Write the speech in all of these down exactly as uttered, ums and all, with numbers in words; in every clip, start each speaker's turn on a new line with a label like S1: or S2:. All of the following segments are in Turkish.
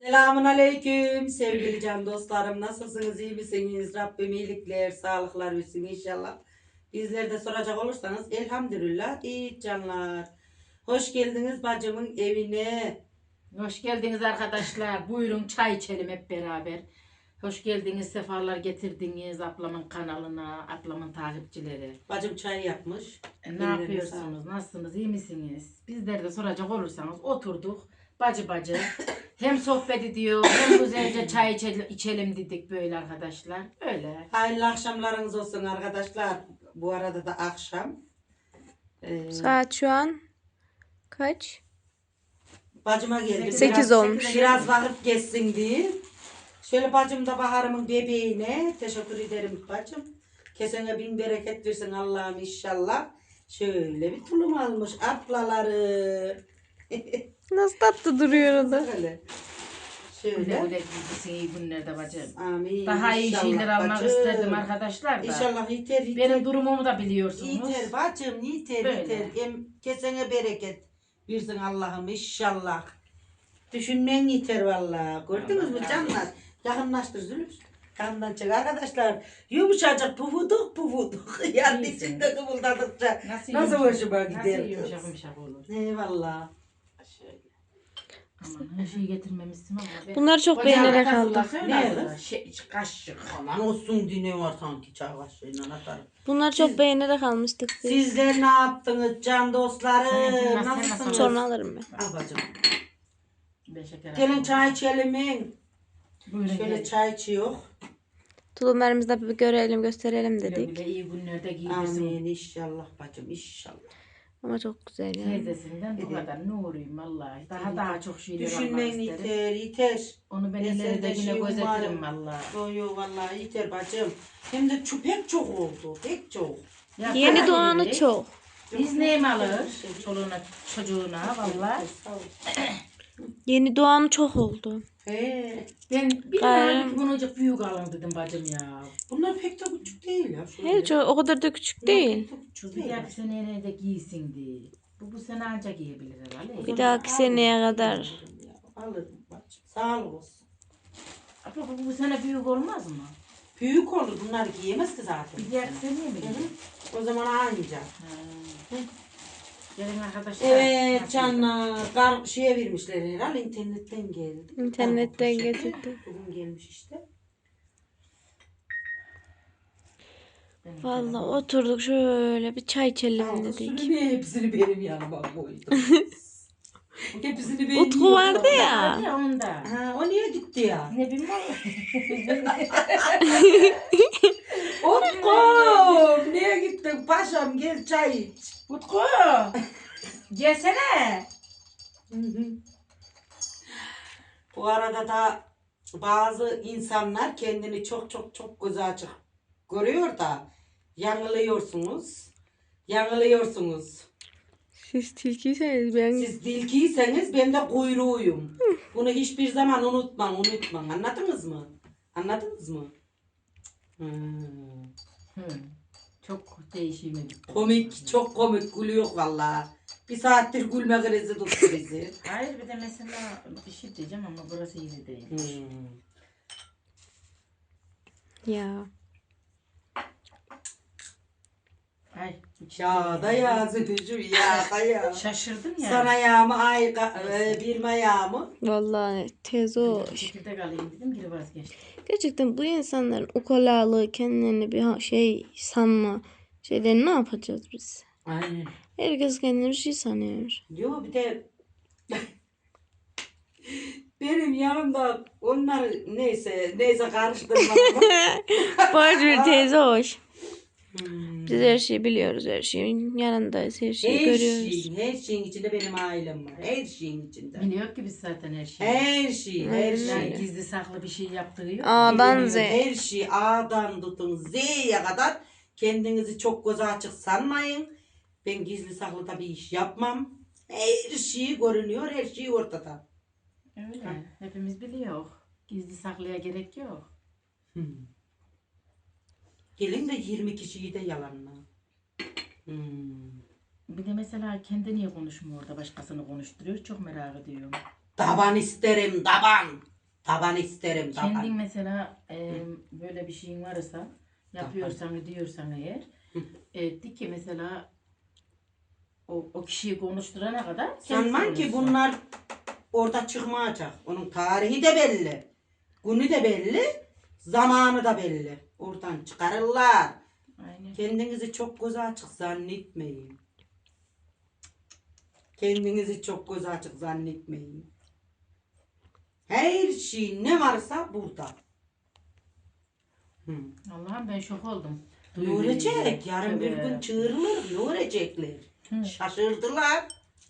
S1: Selamun aleyküm sevgili can dostlarım. Nasılsınız, iyi misiniz? Rabbim iyilikler, sağlıklar versin inşallah. Bizler de soracak olursanız elhamdülillah iyi canlar. Hoş geldiniz bacımın evine.
S2: Hoş geldiniz arkadaşlar. Buyurun çay içelim hep beraber. Hoş geldiniz, sefalar getirdiniz ablamın kanalına, ablamın takipçileri.
S1: Bacım çay yapmış.
S2: E, ne
S1: Ellerine
S2: yapıyorsunuz?
S1: sağlık.
S2: Nasılsınız? İyi misiniz? Bizler de soracak olursanız oturduk. Bacı bacı. Hem sohbet ediyor, hem güzelce çay içelim, içelim dedik böyle arkadaşlar. Öyle.
S1: Hayırlı akşamlarınız olsun arkadaşlar. Bu arada da akşam. Ee,
S3: Saat şu an kaç?
S1: Bacıma geldi.
S3: Sekiz
S1: Biraz-
S3: olmuş.
S1: Biraz vakit geçsin diye. Şöyle bacım da Bahar'ımın bebeğine teşekkür ederim bacım. Kesene bin bereket versin Allah'ım inşallah. Şöyle bir tulum almış ablaları.
S3: Nasıl tatlı duruyor o da.
S1: Şöyle.
S2: Güle
S1: Şöyle.
S2: güle gitsin iyi günlerde bacım.
S1: Amin.
S2: Daha iyi
S1: İnşallah
S2: şeyler almak
S1: bacım.
S2: isterdim arkadaşlar da.
S1: İnşallah yeter yeter.
S2: Benim durumumu da biliyorsunuz.
S1: Yeter bacım yeter
S2: Böyle.
S1: yeter. Hem kesene bereket versin Allah'ım inşallah. Düşünmen yeter vallahi. Gördünüz mü
S2: Allah
S1: canlar? Yakınlaştır Zülüf. Kandan çık arkadaşlar. Yumuşacık pufuduk pufuduk. Yani
S2: İyisin.
S1: içinde kıvıldadıkça
S2: Nasıl,
S1: nasıl
S2: yumuşak-
S1: hoşuma gider.
S2: Nasıl yumuşak yumuşak olur.
S1: Eyvallah.
S2: Şöyle. Aman her şeyi getirmemişsin ama. ben-
S3: Bunlar çok
S2: Hocam,
S3: beğenerek
S2: arkasında
S3: aldım.
S2: söyle
S1: Ne
S2: aslında.
S1: kız?
S2: Şey, kaşık.
S1: Aman olsun dine var sanki çay kaşığıyla atarım.
S3: Bunlar çok beğenerek almıştık biz.
S1: Sizler ne yaptınız can dostları?
S2: Sen- sen-
S1: Nasılsınız?
S2: sen-
S3: Sonra alırım ben.
S1: Al bacım.
S2: Ben şeker
S1: Gelin
S2: atayım.
S1: çay içelim.
S2: Buyurun
S1: Şöyle
S2: gelin.
S1: çay içiyor.
S3: Tulumlarımızı da bir görelim gösterelim
S2: Güle
S3: dedik.
S2: güle iyi günlerde giydirsin.
S1: Amin inşallah bacım inşallah.
S3: Ama çok güzel yani.
S2: Teyzesinden bu kadar nuruyum vallahi. Daha
S1: Evet.
S2: daha çok şeyler almak
S1: Düşünmen
S2: isterim.
S1: yeter yeter.
S2: Onu ben
S1: Ben
S2: ileride
S1: senden
S2: yine
S1: şey
S2: gözetirim
S1: umarım.
S2: vallahi.
S1: Yo yo vallahi yeter bacım. Hem de çu- pek çok oldu. Pek çok.
S2: Ya
S3: Yeni
S2: para
S3: doğanı
S2: verir.
S3: çok.
S2: Biz neyim alır? Çoluğuna çocuğuna vallahi.
S1: Sağ ol.
S3: Yeni doğanı çok oldu.
S1: He.
S2: Ben bir
S3: Gayrı-
S2: tane bunacık büyük alın dedim bacım ya.
S1: Bunlar pek de küçük değil ya. şöyle.
S3: He, çok, o kadar da küçük
S1: Bunlar
S3: değil.
S1: pek de küçük
S2: Şu bir
S1: değil.
S2: dahaki seneye de giysin diye. Bu bu sene ancak giyebilir herhalde.
S3: Bir dahaki seneye kadar.
S1: Alırım bacım. Sağ ol olsun.
S2: Ama bu, bu sene büyük olmaz mı?
S1: Büyük olur. Bunlar giyemez ki zaten.
S2: Bir dahaki seneye mi
S1: Hı
S2: giyer?
S1: hı. O zaman anca.
S2: Ha. Gelin arkadaşlar.
S1: Evet
S2: Nasıl?
S1: canlar. Kar şeye vermişler herhalde. İnternetten geldi.
S3: İnternetten
S1: Kargo poşeti.
S3: getirdi.
S1: Bugün gelmiş işte.
S2: Benim
S3: Vallahi oturduk şöyle bir çay içelim
S1: Aldı
S3: dedik.
S1: sürü niye hepsini benim yanıma koydu? Hepsini ben
S3: Utku
S1: yiyorum.
S3: vardı ya.
S2: Ya onda.
S1: Ha, o niye gitti ya?
S2: Ne bileyim.
S1: Utku niye gittin paşam gel çay iç.
S2: Utku. Gelsene.
S1: Bu arada da bazı insanlar kendini çok çok çok güzel açık görüyor da yanılıyorsunuz. Yanılıyorsunuz.
S3: Siz tilkiyseniz ben...
S1: Siz tilkiyseniz ben de kuyruğuyum. Bunu hiçbir zaman unutmam, unutmam. Anladınız mı? Anladınız mı? Hmm.
S2: Hı. Çok değişime gitti.
S1: Komik, çok komik gülüyor vallahi. Bir saattir gülme krizi tuttu bizi.
S2: Hayır bir de mesela bir şey diyeceğim ama burası iyi değil.
S1: Hmm.
S3: Ya.
S2: Ay. bu şey-
S1: Ya da ya Zülücüm ya da ya.
S2: Şaşırdım ya.
S1: Sana yağımı ay e, bir mayağımı.
S3: Vallahi tez o.
S2: Çekirdek alayım dedim geri vazgeçtim.
S3: Gerçekten bu insanların ukalalığı, kendilerini bir ha- şey sanma şeyleri ne yapacağız biz?
S1: Aynen.
S3: Herkes kendini bir şey sanıyor.
S1: Yo bir de benim yanımda onlar neyse neyse karıştırma.
S3: Boş bir teyze hoş.
S1: Hmm.
S3: Biz her şeyi biliyoruz, her şeyin yanındayız, her şeyi
S1: Her
S3: görüyoruz.
S1: şeyin, her şeyin içinde benim ailem var. Her şeyin içinde.
S2: Biliyor ki biz zaten her şeyi.
S1: Her şey, her
S3: Aynen.
S2: Yani
S1: şey.
S2: gizli saklı bir şey yaptığı yok.
S3: A'dan
S1: Bilmiyorum,
S3: Z'ye.
S1: Her şey A'dan tutun Z'ye kadar kendinizi çok göze açık sanmayın. Ben gizli saklı da bir iş yapmam. Her şey görünüyor, her şey ortada.
S2: Öyle. Hepimiz biliyor. Gizli saklıya gerek yok.
S1: Hmm. Gelin de yirmi kişiyi de yalanla. Hmm.
S2: Bir de mesela kendi niye konuşmuyor orada başkasını konuşturuyor çok merak ediyorum.
S1: Daban isterim, daban. Taban isterim taban.
S2: Kendin mesela e, böyle bir şeyin varsa yapıyorsan diyorsan eğer e, de ki mesela o, o kişiyi konuşturana kadar kendisi
S1: Sanmam ki
S2: konuşsun.
S1: bunlar orada çıkmayacak. Onun tarihi de belli. Günü de belli. Zamanı da belli. Oradan çıkarırlar.
S2: Aynen.
S1: Kendinizi çok göz açık zannetmeyin. Kendinizi çok göz açık zannetmeyin. Her şey ne varsa burada. Hı.
S2: Allah'ım ben şok oldum.
S1: Ne olacak? Yarın bir
S2: Tövbe.
S1: gün çığırılır. Ne olacaklar?
S2: Hı.
S1: Şaşırdılar.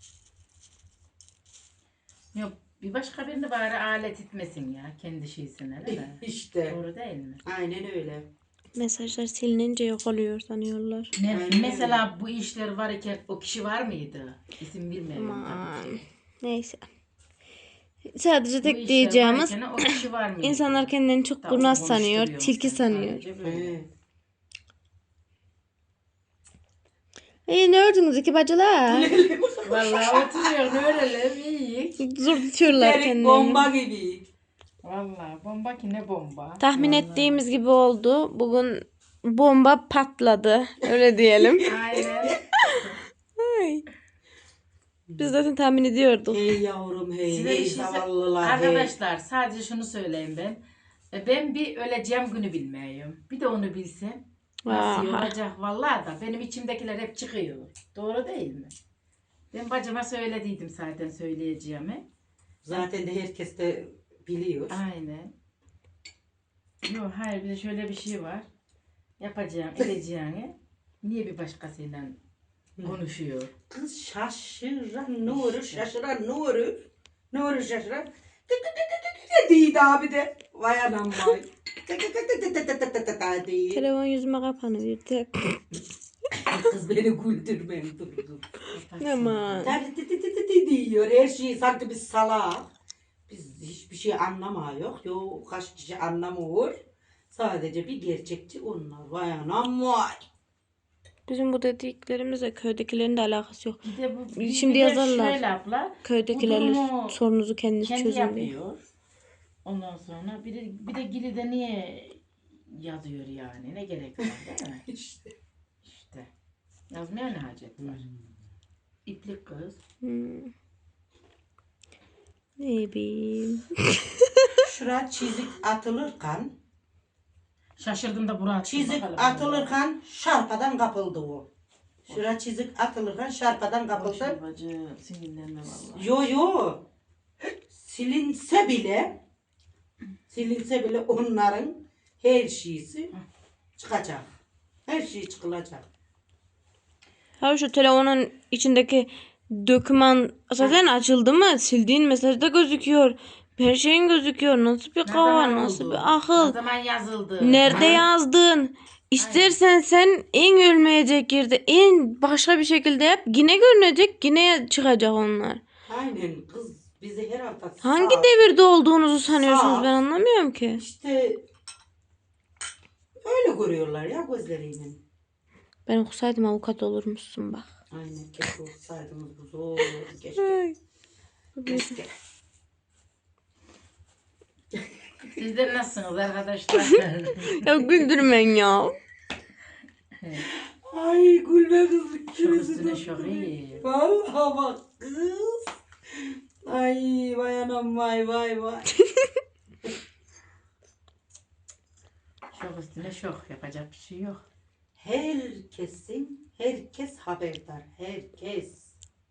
S2: Yok bir başka birini bari alet etmesin ya kendi şeysine değil mi?
S1: İşte.
S2: Doğru değil mi?
S1: Aynen öyle.
S3: Mesajlar silinince yok oluyor sanıyorlar.
S2: Ne,
S1: Aynen
S2: mesela bu işler varken o kişi var mıydı? İsim bilmiyorum
S3: Aman.
S2: tabii ki.
S3: Neyse. Sadece
S2: Bu
S3: tek
S2: işler
S3: diyeceğimiz
S2: varken o kişi var mıydı?
S3: insanlar kendilerini çok
S2: Tamam,
S3: kurnaz sanıyor,
S2: konuşturuyorum
S3: tilki
S2: sen
S3: sanıyor.
S2: sadece böyle.
S1: He.
S3: E ne ördünüz iki bacılar?
S2: Vallahi oturuyor öğrenelim iyi.
S3: Zor tutuyorlar
S1: Delik
S3: kendilerini.
S1: bomba gibi.
S2: Vallahi bomba ki ne bomba.
S3: Tahmin
S2: Vallahi.
S3: ettiğimiz gibi oldu. Bugün bomba patladı. Öyle diyelim.
S2: Aynen.
S3: Ay. Biz zaten tahmin ediyorduk.
S1: Hey yavrum hey,
S2: Size bir
S1: hey
S2: şey sö-
S1: zavallılar hey.
S2: Arkadaşlar sadece şunu söyleyeyim ben. E, Ben bir öleceğim günü bilmiyorum. Bir de onu bilsem. Nasıl
S3: Aha.
S2: olacak vallahi da benim içimdekiler hep çıkıyor. Doğru değil mi? Ben bacıma söylediydim zaten söyleyeceğimi.
S1: Zaten de herkes de biliyor.
S2: Aynen. Yok hayır bir de şöyle bir şey var. Yapacağım, edeceğini niye bir başkasıyla konuşuyor?
S1: Kız şaşıran Nuri, şaşıran Nuri. Nuri şaşıran. Tı tı tı tı tı tı Deydi abi de. Vay anam vay. Tı tı tı tı tı tı tı tı tı tı deydi.
S3: Telefon yüzüme kapanıverdi.
S1: Kız beni güldürmeyin dur dur.
S3: Aman.
S1: Tabii tı tı tı tı tı diyor. Her şeyi sanki biz salak. Biz hiçbir şey anlamıyor. Yok kaç kişi anlamıyor. Sadece bir gerçekçi onlar. Vay anam vay.
S3: Bizim bu dediklerimizle köydekilerin de alakası yok.
S2: Bir de bu bir,
S3: Şimdi
S2: bir de
S3: yazarlar.
S2: şöyle abla.
S3: Köydekilerle
S2: Bu durumu
S3: sorunuzu kendiniz
S2: kendi
S3: çözün diye.
S2: yapıyor. Ondan sonra bir de, bir de Gili'de niye yazıyor yani? Ne gerek var değil mi?
S1: İşte.
S2: İşte. Yazmaya ne hacet var? İplik kız.
S3: Hmm. Ne bileyim.
S1: Şura çizik atılırken
S2: Şaşırdım da Burak.
S1: çizik atılırken şarpadan kapıldı o. Şura çizik atılırken şarpadan kapıldı.
S2: Bacı sinirlenme vallahi.
S1: Yo yo. Silinse bile silinse bile onların her şeysi çıkacak. Her şey çıkılacak.
S3: Ha şu telefonun içindeki doküman zaten açıldı mı? Sildiğin mesajda gözüküyor. Her şeyin gözüküyor. Nasıl bir
S2: Ne
S3: kafa,
S2: zaman
S3: nasıl
S2: oldu?
S3: bir
S2: Ne
S3: akıl.
S2: zaman yazıldı?
S3: Nerede
S1: Ha?
S3: yazdın? İstersen sen en ölmeyecek yerde en başka bir şekilde yap. Yine görünecek, yine çıkacak onlar.
S1: Aynen kız bizi her hafta
S3: Hangi
S1: sağ-
S3: devirde olduğunuzu sanıyorsunuz
S1: Sağ.
S3: ben anlamıyorum ki.
S1: İşte öyle görüyorlar ya gözleriyle.
S3: Ben okusaydım avukat olurmuşsun bak.
S1: Aynen keşke olsaydınız bu zor keşke. Keşke.
S2: Sizler nasılsınız arkadaşlar?
S3: Ya güldürmen ya.
S1: Ay gülme kız.
S2: Şok üstüne şok iyi.
S1: Vallahi bak kız. Ay vay anam vay vay vay.
S2: Şok üstüne şok. Yapacak bir şey yok.
S1: Herkesin, herkes haberdar. Herkes.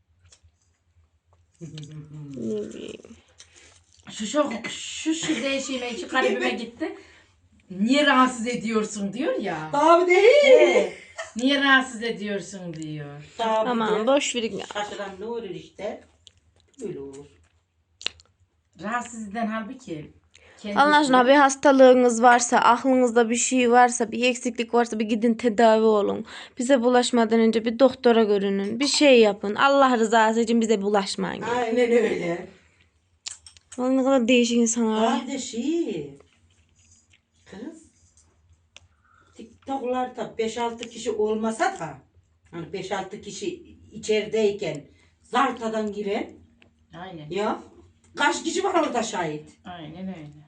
S3: Ne bileyim.
S2: Şu şok, şu şu değişime, şu kalbime gitti. Niye rahatsız ediyorsun diyor ya.
S1: Tabi değil.
S2: He, niye rahatsız ediyorsun diyor.
S1: Tabi
S3: Aman
S1: de.
S3: boş verin ya.
S1: Şaşıran ne olur işte. Böyle olur.
S2: Rahatsız eden halbuki kendisi.
S3: Allah aşkına bir hastalığınız varsa, aklınızda bir şey varsa, bir eksiklik varsa bir gidin tedavi olun. Bize bulaşmadan önce bir doktora görünün. Bir şey yapın. Allah rızası için bize bulaşmayın.
S1: Aynen öyle.
S3: Vallahi ne kadar değişik insanlar var.
S1: Abi de şey. Kız. TikTok'larda beş altı kişi olmasa da hani beş altı kişi içerideyken zartadan giren
S2: Aynen.
S1: ya Kaç kişi var orada şahit?
S2: Aynen öyle.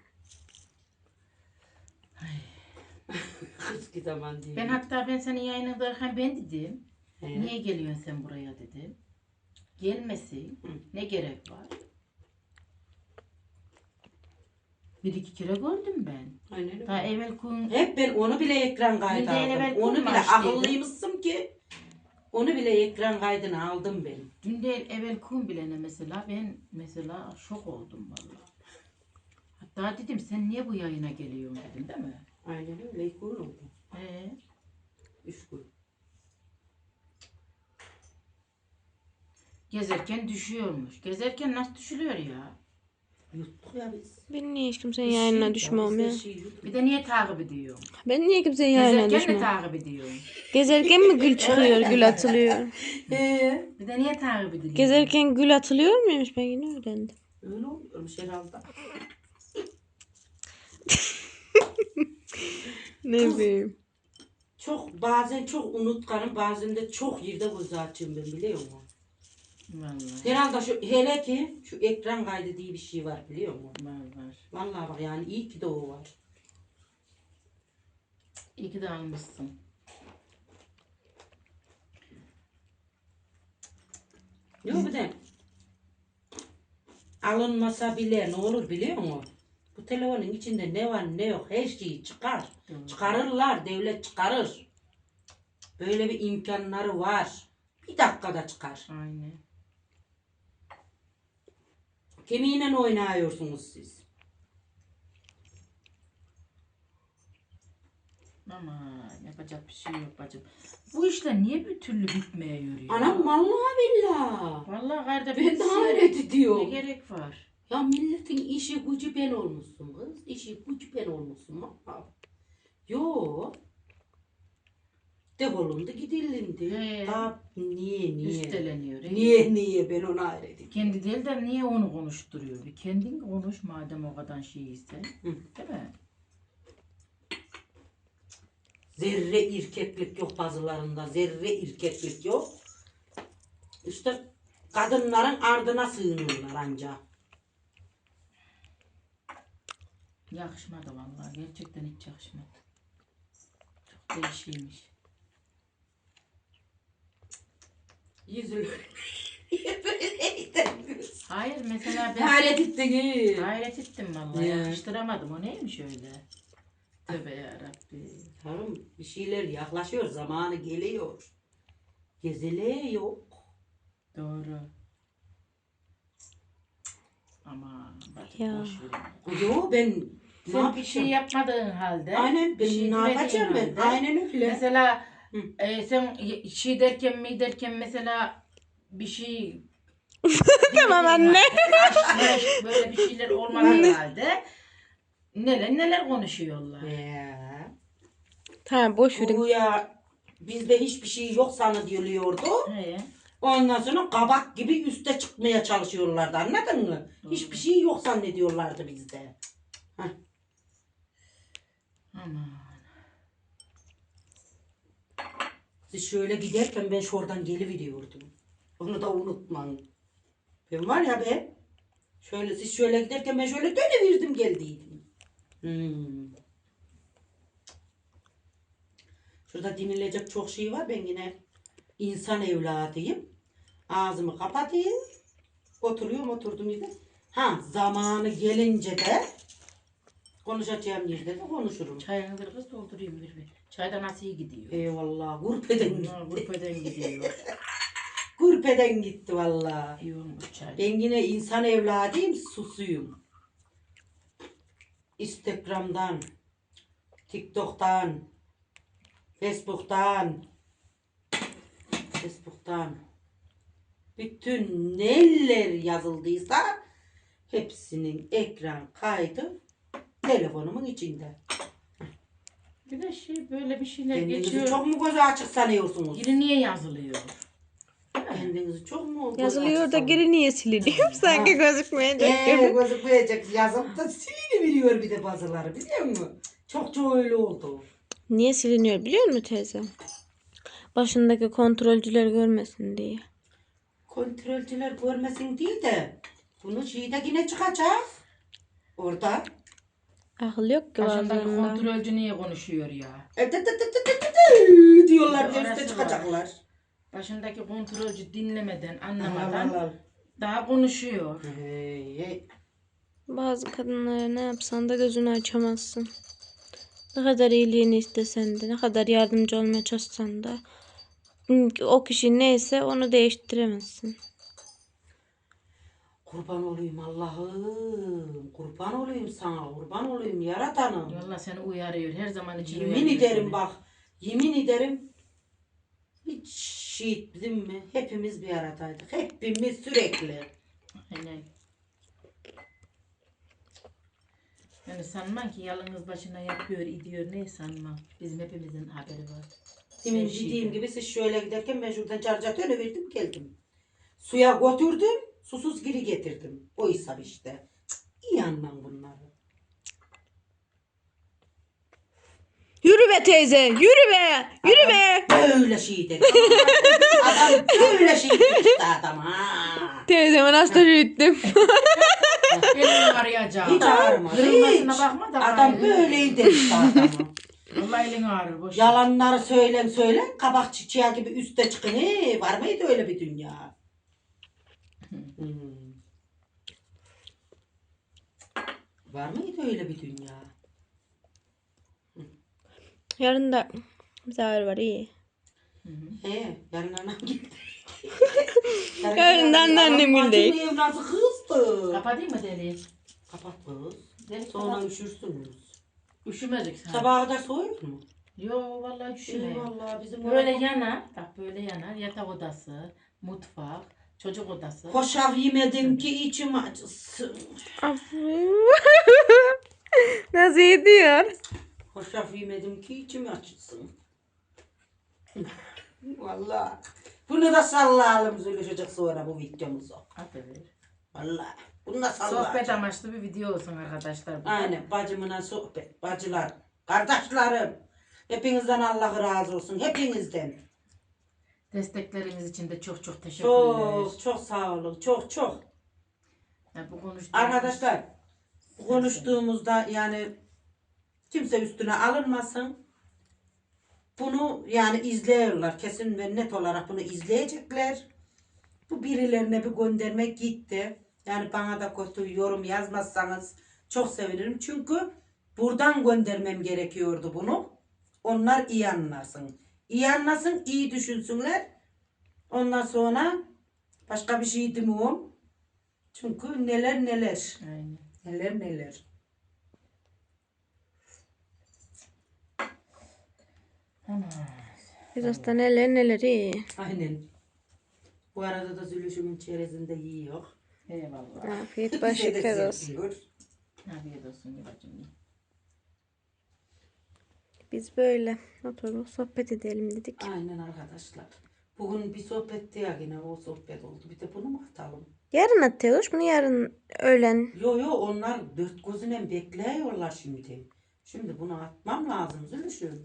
S1: Eski zaman değil.
S2: Ben hatta ben senin yayınındayken ben dedim.
S1: He.
S2: Niye geliyorsun sen buraya dedim. Gelmesin.
S1: Hı.
S2: Ne gerek var? Bir iki kere gördüm ben.
S1: Aynen öyle.
S2: Daha evvel kun
S1: Hep ben onu bile ekran kaydı
S2: Bir de evvel
S1: aldım. Onu bile
S2: kurmaç
S1: akıllıymışsın ki onu bile ekran kaydını aldım ben.
S2: dün de evvel kun bilene mesela ben mesela şok oldum vallahi. Hatta dedim sen niye bu yayına geliyorsun dedim değil mi?
S1: Aynen öyle. İlk gün oldu.
S2: He.
S1: Üç gün.
S2: Gezerken düşüyormuş. Gezerken nasıl düşülüyor ya?
S1: Yuttuk ya biz.
S3: Ben niye hiç kimsenin
S1: Bir şey
S3: yayınına
S1: ya,
S3: düşmem
S1: biz
S3: ya?
S1: her şeyi yuttuk.
S2: Bir de niye takip ediyorsun?
S3: Ben niye kimsenin yayınına
S2: Gezerken mi
S3: düşmem?
S2: takip ediyorsun?
S3: Gezerken mi gül çıkıyor, gül atılıyor?
S1: Ee,
S2: Bir de niye takip ediyorsun?
S3: Gezerken gül atılıyor muymuş? Ben yine öğrendim.
S1: öyle oluyormuş herhalde.
S3: Ne bileyim.
S1: Çok bazen çok unutkanım, bazen de çok yerde göz açıyorum ben, biliyor musun?
S2: Vallahi.
S1: Herhalde şu, hele ki şu ekran kaydı diye bir şey var, biliyor musun?
S2: Var var.
S1: Vallahi bak yani iyi ki de o var.
S2: İyi ki de almışsın.
S1: Yok bir de alınmasa bile ne olur biliyor musun? Bu telefonun içinde ne var ne yok her şeyi çıkar.
S2: Doğru.
S1: Çıkarırlar, devlet çıkarır. Böyle bir imkanları var. Bir dakikada çıkar.
S2: Aynen.
S1: Kemiğiyle oynuyorsunuz siz.
S2: Ama yapacak bir şey yok bacım. Bu işler niye bir türlü bitmeye yürüyor?
S1: Anam vallahi billahi.
S2: Vallahi kardeş
S1: Ben de hayret
S2: ne
S1: ediyorum.
S2: gerek var?
S1: Ya milletin işi gücü ben olmuşsun kız. İşi gücü ben olmuşsun. Ha. Yo. Defolundu gidilindi.
S2: He.
S1: Daha niye niye?
S2: Üsteleniyor. he?
S1: Niye niye ben ona hayret ediyorum.
S2: Kendi değil de niye onu konuşturuyor? Bir kendin konuş madem o kadar şey ise.
S1: Hı.
S2: Değil mi?
S1: Zerre irkeklik yok bazılarında. Zerre irkeklik yok. İşte kadınların ardına sığınırlar anca.
S2: Yakışmadı vallahi. Gerçekten hiç yakışmadı. Çok değişiymiş.
S1: Yüzülür.
S2: Hayır mesela ben
S1: Hayret ettiniz.
S2: hayret ettim vallahi.
S1: Ya.
S2: Yakıştıramadım. O neymiş öyle? Tövbe yarabbim.
S1: Yavrum bir şeyler yaklaşıyor. Zamanı geliyor. Gezele yok.
S2: Doğru. Ama bak
S3: Ya.
S2: boş ver.
S1: Yo ben ne
S2: Sen bir şey
S1: yapacağım?
S2: yapmadığın halde.
S1: Aynen ben
S2: bir şey
S1: ne
S2: demediğin
S1: yapacağım ben?
S2: halde,
S1: Aynen öyle.
S2: Mesela
S1: Hı.
S2: e, sen y- şey derken mi derken mesela bir şey
S3: Tamam anne.
S2: aşk meşk böyle bir şeyler olmadığı halde neler neler konuşuyorlar.
S1: Ya.
S3: Tamam boş verin.
S1: Bu ya bizde hiçbir şey yok zannediliyordu.
S2: He.
S1: Ondan sonra kabak gibi üste çıkmaya çalışıyorlardı, anladın mı?
S2: Doğru.
S1: Hiçbir şey yok zannediyorlardı bizde.
S2: Aman.
S1: Siz şöyle giderken ben şuradan geliveriyordum. Onu da unutmayın. Ben var ya be. Şöyle siz şöyle giderken ben şöyle dönevirdim geldiydim. Hmm. Şurada dinleyecek çok şey var. Ben yine insan evladıyım. Ağzımı kapatayım. Oturuyorum oturdum yerde. Ha zamanı gelince de konuşacağım yerde de konuşurum.
S2: Çayını bir kız doldurayım bir bir. Çayda nasıl iyi gidiyor?
S1: Eyvallah. Gurpeden gitti.
S2: Ha, Grupeden gidiyor.
S1: Gurpeden gitti vallahi.
S2: İyi olmuş çay.
S1: Ben yine insan evladıyım, susuyum. Instagram'dan, TikTok'tan, Facebook'tan, Facebook'tan bütün neler yazıldıysa hepsinin ekran kaydı telefonumun içinde.
S2: Bir de şey böyle bir şeyler
S1: Kendinizi
S2: geçiyor.
S1: çok mu gözü açık sanıyorsunuz?
S2: Geri niye yazılıyor?
S1: Kendinizi çok mu gözü
S3: Yazılıyor
S1: açık
S3: da
S1: sanıyorsunuz?
S3: geri niye siliniyor? Sanki gözükmeyecek
S1: Eee
S3: gibi.
S1: gözükmeyecek yazıp da silini bir de bazıları, biliyor musun? Çok çok öyle oldu.
S3: Niye siliniyor biliyor musun teyze? Başındaki kontrolcüler görmesin diye.
S1: Kontrolcüler görmesin değil de Bunu şeyde yine çıkacak. Orada.
S3: Akıl yok ki
S2: Başındaki
S3: bazılarında.
S2: kontrolcü niye konuşuyor ya?
S1: E, dı dı dı dı dı dı diyorlar bir de
S2: Orası
S1: üstte
S2: var.
S1: çıkacaklar.
S2: Başındaki kontrolcü dinlemeden,
S1: Al,
S2: anlamadan
S1: al, al.
S2: daha konuşuyor.
S1: Hey, hey.
S3: Bazı kadınlara ne yapsan da gözünü açamazsın. Ne kadar iyiliğini istesen de, ne kadar yardımcı olmaya çalışsan da o kişi neyse onu değiştiremezsin.
S1: Kurban olayım Allah'ım. Kurban olayım sana. Kurban olayım yaratanım.
S2: Valla seni uyarıyor. Her zaman için
S1: Yemin
S2: uyarıyor
S1: ederim
S2: seni.
S1: bak. Yemin ederim. Hiç şehit bizim mi? Hepimiz bir aradaydık. Hepimiz sürekli.
S2: Aynen. Yani sanmam ki yalnız başına yapıyor, ediyor. Ne sanmam. Bizim hepimizin haberi var.
S1: Demin
S2: Her şeyden.
S1: dediğim gibi siz şöyle giderken ben şuradan carcatı öyle verdim geldim. Suya götürdüm. Susuz geri getirdim. O hesap işte. Cık, İyi anlam bunları.
S3: Yürü be teyze, yürü be, yürü be.
S1: Böyle şey dedi. Adam böyle şey dedi işte adam ha.
S3: Teyzeme nasıl yürüttüm.
S2: Elini arayacağım.
S1: Hiç ağrımadı.
S2: Kırılmasına
S1: Hiç.
S2: bakma da.
S1: Adam
S2: bari.
S1: böyleydi işte adamı.
S2: Vallahi elin ağrır. Boş ver.
S1: Yalanları söylen söylen kabak çiçeği gibi üste çıkın. He, var mıydı öyle bir dünya? Hmm. Var mıydı öyle bir dünya?
S3: Yarın da misafir var iyi.
S1: He, yarın anam gitti.
S3: Yarın da anneannem
S1: Anam
S3: gidecek.
S1: bacım evladı kızdı.
S2: Kapatayım mı deliği?
S1: Kapat kız.
S2: Deli
S1: Sonra
S2: kapat.
S1: üşürsünüz.
S2: Üşümedik sen.
S1: Sabaha kadar soğuyor mu?
S2: Yo vallahi üşümeyin.
S1: Eyvallah bizim
S2: Böyle
S1: orada-
S2: yanar. Bak böyle yanar. Yatak odası, mutfak, çocuk odası.
S1: Hoşaf yemedim ki içim acısın.
S3: Nasıl ediyor?
S1: Hoşaf yemedim ki içim acısın. Vallahi. Bunu da sallayalım Zülüşecek sonra bu videomuzu.
S2: Aferin.
S1: Vallahi. Bunu da
S2: Sohbet
S1: sallayalım.
S2: amaçlı bir video olsun arkadaşlar. bu da.
S1: Aynen bacımına sohbet. Bacılar. Kardeşlerim. Hepinizden Allah razı olsun. Hepinizden.
S2: Destekleriniz için de çok çok teşekkürler.
S1: Çok çok sağ olun. Çok çok.
S2: Ya bu konuştuğumuz-
S1: Arkadaşlar bu konuştuğumuzda yani kimse üstüne alınmasın. Bunu yani izliyorlar. Kesin ve net olarak bunu izleyecekler. Bu birilerine bir gönderme gitti. Yani bana da kötü yorum yazmazsanız çok sevinirim. Çünkü buradan göndermem gerekiyordu bunu. Onlar iyi anlasın. İyi anlasın, iyi düşünsünler. Ondan sonra başka bir şey demiyorum. Çünkü neler neler.
S2: Aynen.
S1: Neler neler.
S2: Ana.
S3: Biraz da neler neler iyi.
S1: Aynen. Bu arada da Zülüşümün çerezini de yiyor.
S2: Eyvallah.
S3: Afiyet
S1: Bize
S3: baş
S1: de
S3: şeker olsun.
S1: serviyor.
S2: Afiyet olsun babacığım.
S3: Biz böyle oturup sohbet edelim dedik.
S1: Aynen arkadaşlar. Bugün bir sohbetti ya yine o sohbet oldu. Bir de bunu mu atalım?
S3: Yarın atıyoruz bunu yarın öğlen.
S1: Yo yo onlar dört gözüne bekliyorlar şimdi. Şimdi bunu atmam lazım Zülüşüm.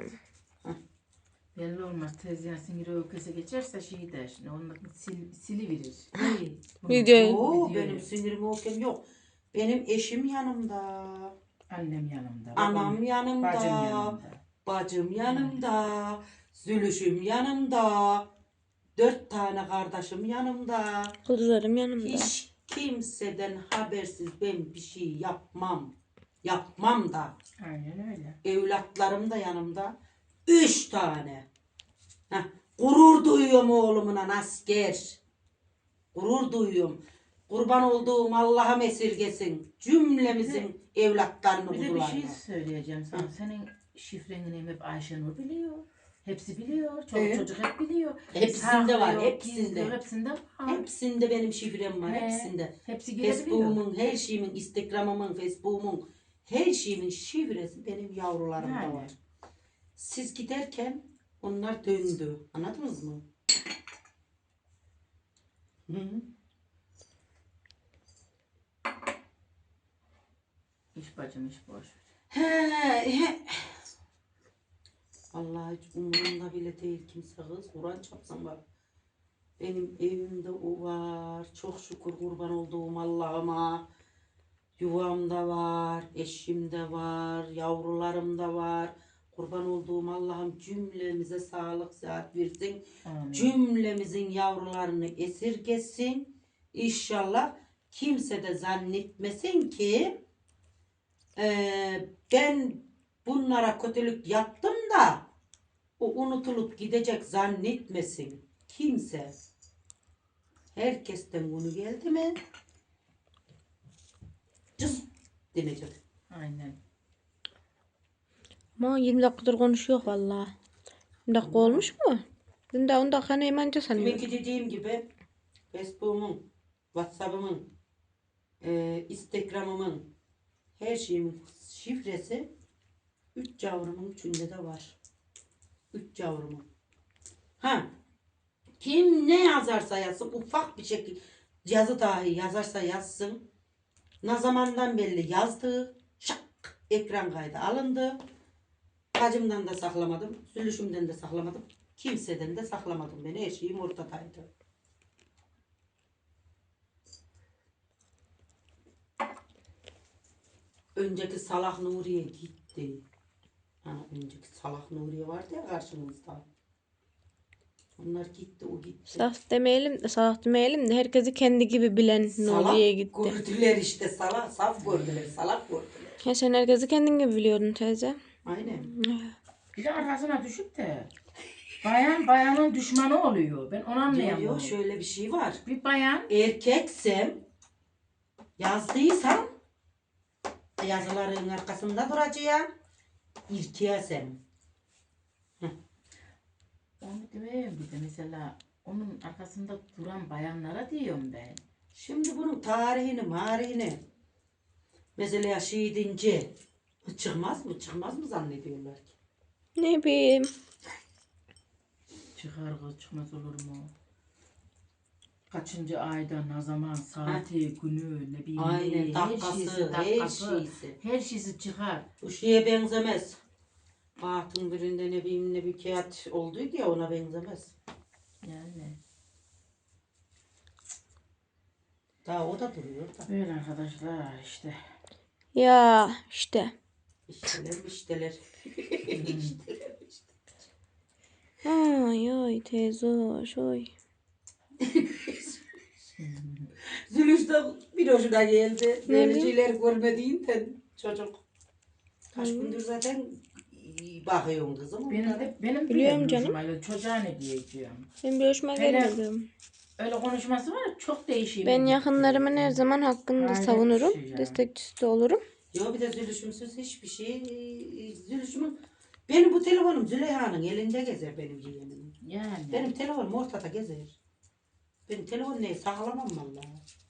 S2: Belli olmaz. Tezgah siniri öyküse geçerse şey der. Onu sil, siliverir.
S1: Hey.
S3: Video.
S1: Yo,
S2: Video
S1: benim
S2: yok.
S1: sinirim okem yok. Benim eşim yanımda.
S2: Annem yanımda.
S1: Anam
S2: babam-
S1: yanımda.
S2: Bacım yanımda.
S1: Bacım yanımda. Zülüşüm yanımda. Dört tane kardeşim yanımda.
S3: Kızlarım yanımda.
S1: Hiç kimseden habersiz ben bir şey yapmam. Yapmam da.
S2: Aynen öyle.
S1: Evlatlarım da yanımda. Üç tane. Heh, gurur duyuyorum oğlumun asker. Gurur duyuyorum. Kurban olduğum Allah'ım esirgesin. Cümlemizin evlatlarını
S2: Bir de bir
S1: buldular.
S2: şey söyleyeceğim sana. Senin şifreni hep Ayşenur biliyor. Hepsi biliyor. Çocuk
S1: Evet.
S2: çocuk hep biliyor.
S1: Hepsinde var,
S2: Saklıyor,
S1: hepsinde.
S2: gizliyor, Hepsinde var.
S1: Hepsinde benim şifrem var.
S2: He,
S1: Hepsinde.
S2: Hepsi girebiliyor.
S1: Facebook'umun, her şeyimin, Instagram'ımın, Facebook'umun, her şeyimin şifresi benim yavrularımda
S2: Yani.
S1: var. Siz giderken onlar döndü. Anladınız mı? Hı -hı.
S2: İş bacım iş boş.
S1: He, he. Vallahi hiç umurumda bile değil kimse kız. Kur'an çapsam bak. Benim evimde o var. Çok şükür kurban olduğum Allah'ıma. Yuvamda var, eşimde var, yavrularım da var. Kurban olduğum Allah'ım cümlemize sağlık sıhhat versin.
S2: Amin.
S1: Cümlemizin yavrularını esirgesin. İnşallah kimse de zannetmesin ki eee, ben bunlara kötülük yaptım da o unutulup gidecek zannetmesin. Kimse. Herkesten bunu geldi mi? Cız denecek.
S2: Aynen.
S3: Ama yirmi dakikadır konuşuyor valla. yirmi dakika olmuş mu? Ben de on dakika neyim anca sanıyorum.
S1: Demek ki dediğim gibi Facebook'umun, WhatsApp'ımın, e, Instagram'ımın her şeyimin şifresi üç yavrumun içinde de var. Üç yavrumun. Ha, kim ne yazarsa yazsın, ufak bir şekilde yazı dahi yazarsa yazsın. Ne zamandan belli yazdı, şak ekran kaydı alındı. Bacımdan da saklamadım, sülüşümden de saklamadım. Kimseden de saklamadım ben. Her şeyim ortadaydı. Önceki Salak Nuriye gitti. Ha, önceki Salak Nuriye vardı ya karşımızda. Onlar gitti, o gitti.
S3: Saf demeyelim de saf demeyelim de herkesi kendi gibi bilen Nuriye'ye gitti.
S1: Gördüler işte, salak, saf gördüler, salak gördüler.
S3: Ya sen herkesi kendin gibi biliyordun teyze.
S1: Aynen.
S2: Bir de arkasına düşüp de bayan bayanın düşmanı oluyor. Ben onu
S1: Yok
S2: anlayamıyorum.
S1: yok, şöyle bir şey var.
S2: Bir bayan
S1: Erkeksem, yazdıysam, yazıların arkasında duracağım. İrkiyesem.
S2: onu demeyeyim bir de mesela onun arkasında duran bayanlara diyorum ben.
S1: Şimdi bunun tarihini, marihini, mesela şiidince çıkmaz mı, çıkmaz mı zannediyorlar ki?
S3: Ne bileyim.
S2: Çıkar kız çıkmaz olur mu? Kaçıncı ayda ne zaman saati, günü, ne bileyim.
S1: Aynen,
S2: her
S1: dakikası,
S2: şeysi,
S1: her
S2: dakikası,
S1: şeysi.
S2: her şeysi çıkar.
S1: Bu şeye benzemez. Bahtın birinde ne bileyim ne bir kağıt olduydu ya, ona benzemez.
S2: Yani.
S1: Daha o da duruyor da.
S2: Böyle arkadaşlar işte.
S3: Ya işte.
S1: İşteler işteler. İşteler işte.
S3: Ay ay teyze hoş oy.
S1: Zülüş de bir hoşuna geldi.
S3: Ne
S1: Böyle
S3: bileyim.
S1: şeyler görmediğinden çocuk. Kaç gündür zaten bakıyorum kızım.
S2: Benim
S1: onlara.
S2: de benim
S3: Biliyorum
S2: bile
S3: canım.
S2: hoşuma gidiyor. Çocuğa ne diyeceğim.
S3: Ben bir hoşuma
S2: Hele-
S3: gelmedim.
S2: Öyle konuşması var ya, çok değişik.
S3: Ben yakınlarımın her zaman hakkını da
S2: Hayret
S3: savunurum.
S2: bir şey ya.
S3: Destekçisi de olurum.
S1: Yo, bir de Zülüşümsüz hiçbir şey. Zülüşümün benim bu telefonum Züleyha'nın elinde gezer, benim yeğenimin.
S2: Yani.
S1: Benim telefonum ortada gezer. Benim telefon neyi saklamam vallahi.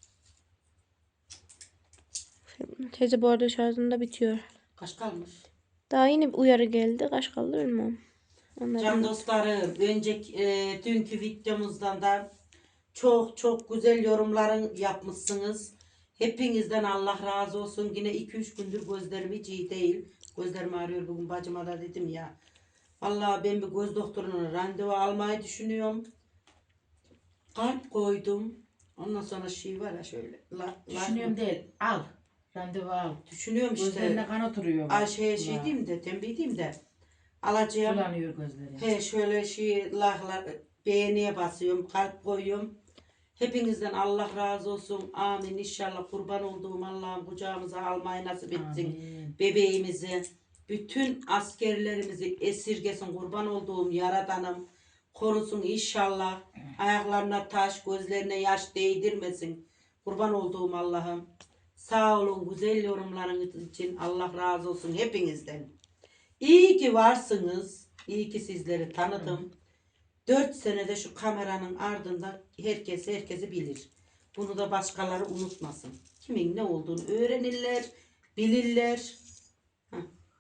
S3: Teyze bu arada şarjında bitiyor.
S1: Kaç kalmış?
S3: Daha yeni bir uyarı geldi. Kaç kaldı bilmem.
S1: Can
S3: Anladım.
S1: dostlarım, önceki e, dünkü videomuzdan da çok çok güzel yorumların yapmışsınız. Hepinizden Allah razı olsun. Yine iki üç gündür gözlerim hiç iyi değil. Gözlerim ağrıyor, bugün bacıma da dedim ya. Vallahi ben bir göz doktoruna randevu almayı düşünüyorum. Kalp koydum. Ondan sonra şey var ya şöyle. La, la-
S2: Düşünüyorum değil. Al. Randevu al.
S1: Düşünüyorum işte.
S2: Gözlerine kan oturuyor. bak.
S1: Ay şey, şey
S2: La.
S1: diyeyim de, tembih diyeyim de. Alacağım.
S2: Sulanıyor gözleri.
S1: He şöyle şey lahlar beğeniye basıyorum, kalp koyuyorum. Hepinizden Allah razı olsun. Amin. İnşallah kurban olduğum Allah'ım kucağımıza almayı nasip etsin.
S2: Amin.
S1: Bebeğimizi, bütün askerlerimizi esirgesin. Kurban olduğum Yaradanım korusun inşallah. Ayaklarına taş, gözlerine yaş değdirmesin. Kurban olduğum Allah'ım. Sağ olun güzel yorumlarınız için. Allah razı olsun hepinizden. İyi ki varsınız. İyi ki sizleri tanıdım. Dört senede şu kameranın ardında herkes herkesi bilir. Bunu da başkaları unutmasın. Kimin ne olduğunu öğrenirler, bilirler. Heh.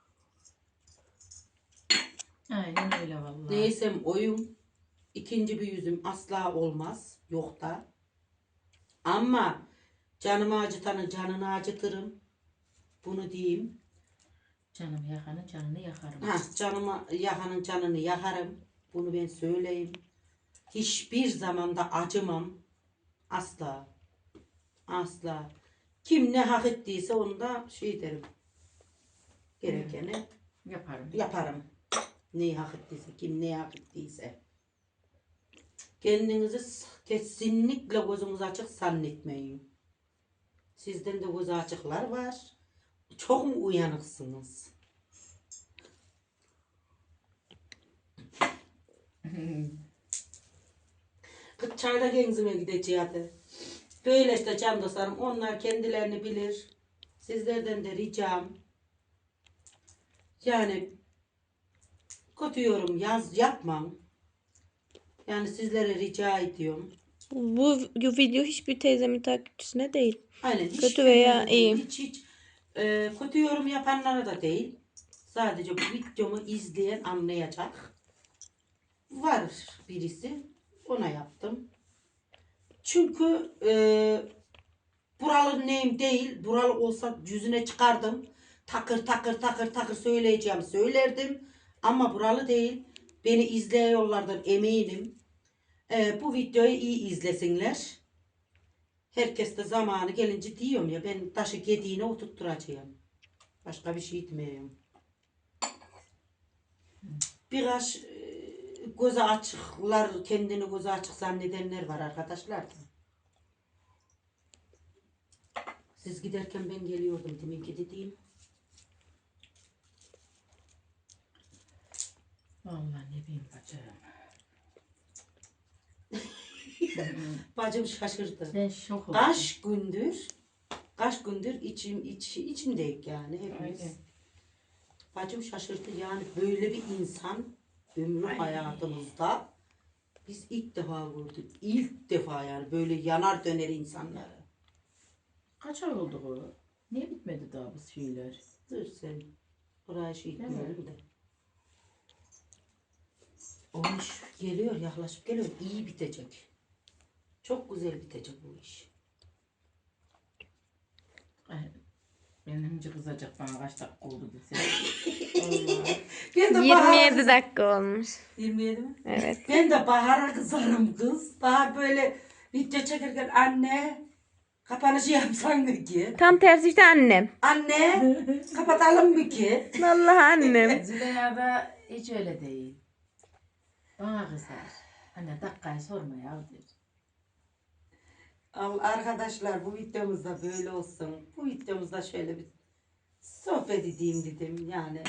S2: Aynen öyle vallahi.
S1: Neysem oyum. İkinci bir yüzüm asla olmaz. Yok da. Ama canımı acıtanın canını acıtırım. Bunu diyeyim.
S2: Canım yakanın canını yakarım.
S1: Ha, canıma yakanın canını yakarım. Bunu ben söyleyeyim. hiçbir zaman da acımam. Asla. Asla. Kim ne hak ettiyse onu da şey derim. Gerekeni
S2: Yaparım.
S1: yaparım. Neyi hak ettiyse, kim neyi hak ettiyse. Kendinizi s- kesinlikle gözünüz açık zannetmeyin. Sizden de gözü açıklar var. Çok mu uyanıksınız? Kız çayda genzime gideceğiz. Böyle işte can dostlarım. Onlar kendilerini bilir. Sizlerden de ricam. Yani kötü yorum yaz yapmam. Yani sizlere rica ediyorum.
S3: Bu video hiçbir teyzemin takipçisine değil.
S1: Aynen. Hiç
S3: Kötü veya
S1: birbirinize değil,
S3: iyi.
S1: Hiç hiç e, kötü yorum yapanlara da değil. Sadece bu videomu izleyen anlayacak. Var birisi. Ona yaptım. Çünkü e, buralı neyim değil. Buralı olsa yüzüne çıkardım. Takır takır takır takır söyleyeceğim söylerdim. Ama buralı değil. Beni izleyiyorlardan eminim. E, bu videoyu iyi izlesinler. Herkes de zamanı gelince diyorum ya ben taşı gediğine oturtturacağım. Başka bir şey demiyorum. Birkaç e, gözü açıklar, kendini gözü açık zannedenler var arkadaşlar. Siz giderken ben geliyordum demin ki dediğim.
S2: Vallahi ne bileyim bacım.
S1: Bacım şaşırdı.
S2: Ben şok oldum.
S1: Kaç gündür, kaç gündür içim iç, içimdeyik yani hepimiz.
S2: Aynen.
S1: Bacım şaşırdı yani böyle bir insan ömrü
S2: Aynen.
S1: hayatımızda biz ilk defa gördük. İlk defa yani böyle yanar döner insanları.
S2: Kaç ay oldu bu? Niye bitmedi daha bu şeyler?
S1: Dur sen. Buraya şey
S2: Değil mi?
S1: etmeyelim de. O iş geliyor yaklaşıp geliyor. İyi bitecek. Çok güzel bitecek bu iş.
S2: Ay, benim önce kızacak bana kaç dakika oldu dese. Vallahi.
S1: Ben de
S3: yirmi
S1: Bahar'a
S3: yedi
S1: kız-
S3: dakika olmuş.
S1: yirmi yedi mi?
S3: Evet.
S1: Ben de Bahar'a kızarım kız. Bahar böyle video çekerken anne kapanışı yapsan mı ki?
S3: Tam tersi işte annem.
S1: Anne kapatalım mı ki?
S3: Vallahi annem.
S2: Züleyha da hiç öyle değil. Bana kızar. Anne dakikayı sorma ya der.
S1: Al- Arkadaşlar bu videomuzda böyle olsun. Bu videomuzda şöyle bir sohbet edeyim dedim yani.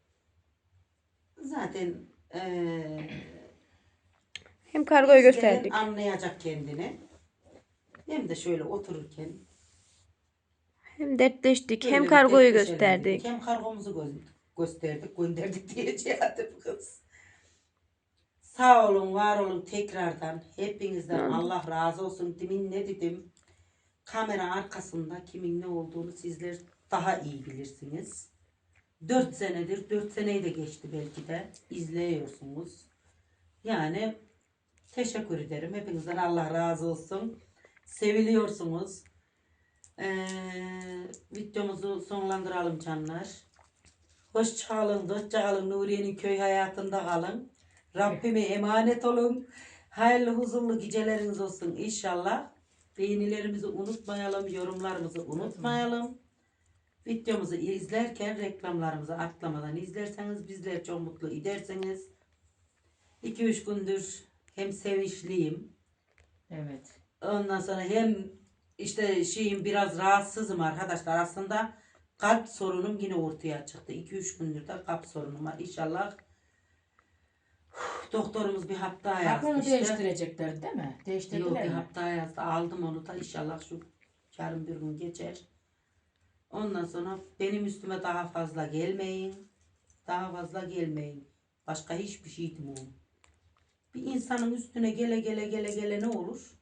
S1: Zaten eee
S3: Hem kargoyu
S1: izleyen
S3: gösterdik.
S1: anlayacak kendini. Hem de şöyle otururken
S3: Hem dertleştik.
S1: böyle
S3: Hem
S1: bir
S3: kargoyu
S1: dertleşelim
S3: gösterdik.
S1: dedik. Hem kargomuzu gö- gösterdik, gönderdik diyeceğim kız. Sağ olun, var olun tekrardan. Hepinizden
S3: Hı.
S1: Allah razı olsun. Demin ne dedim? Kamera arkasında kimin ne olduğunu sizler daha iyi bilirsiniz. Dört senedir, dört seneyi de geçti belki de izliyorsunuz. Yani teşekkür ederim. Hepinizden Allah razı olsun. Seviliyorsunuz. Ee, videomuzu sonlandıralım canlar. Hoşça kalın, dostça kalın. Nuriye'nin köy hayatında kalın. Rabbime emanet olun. Hayırlı huzurlu geceleriniz olsun inşallah. Beğenilerimizi unutmayalım, yorumlarımızı unutmayalım. Videomuzu izlerken reklamlarımızı atlamadan izlerseniz bizler çok mutlu edersiniz. iki üç gündür hem sevinçliyim.
S2: Evet.
S1: Ondan sonra hem işte şeyim biraz rahatsızım arkadaşlar. Aslında kalp sorunum yine ortaya çıktı. iki üç gündür de kalp sorunum var. İnşallah doktorumuz bir hap daha yazdı
S2: Hapını
S1: işte.
S2: değiştirecekler değil mi?
S1: Yok
S2: Değiştirdiler
S1: bir
S2: mi?
S1: hap daha yazdı. Aldım onu da inşallah şu yarın bir gün geçer. Ondan sonra benim üstüme daha fazla gelmeyin. Daha fazla gelmeyin. Başka hiçbir şey demiyorum. Bir insanın üstüne gele gele gele gele ne olur?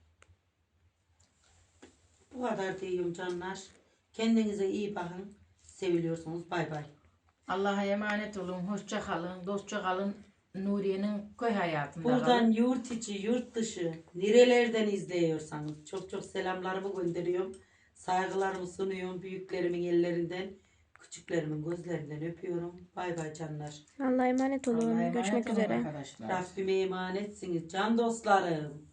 S1: Bu kadar diyorum canlar. Kendinize iyi bakın. Seviliyorsunuz. Bay bay.
S2: Allah'a emanet olun. Hoşça kalın. Dostça kalın. Nuriye'nin köy hayatında
S1: Buradan
S2: kalın.
S1: yurt içi, yurt dışı, nerelerden izliyorsanız çok çok selamlarımı gönderiyorum. Saygılarımı sunuyorum büyüklerimin ellerinden. Küçüklerimin gözlerinden öpüyorum. Bay bay canlar.
S3: Allah'a emanet olun.
S2: Allah'a emanet
S3: Görüşmek
S2: olun
S3: üzere.
S2: arkadaşlar.
S1: Rabbime emanetsiniz can dostlarım.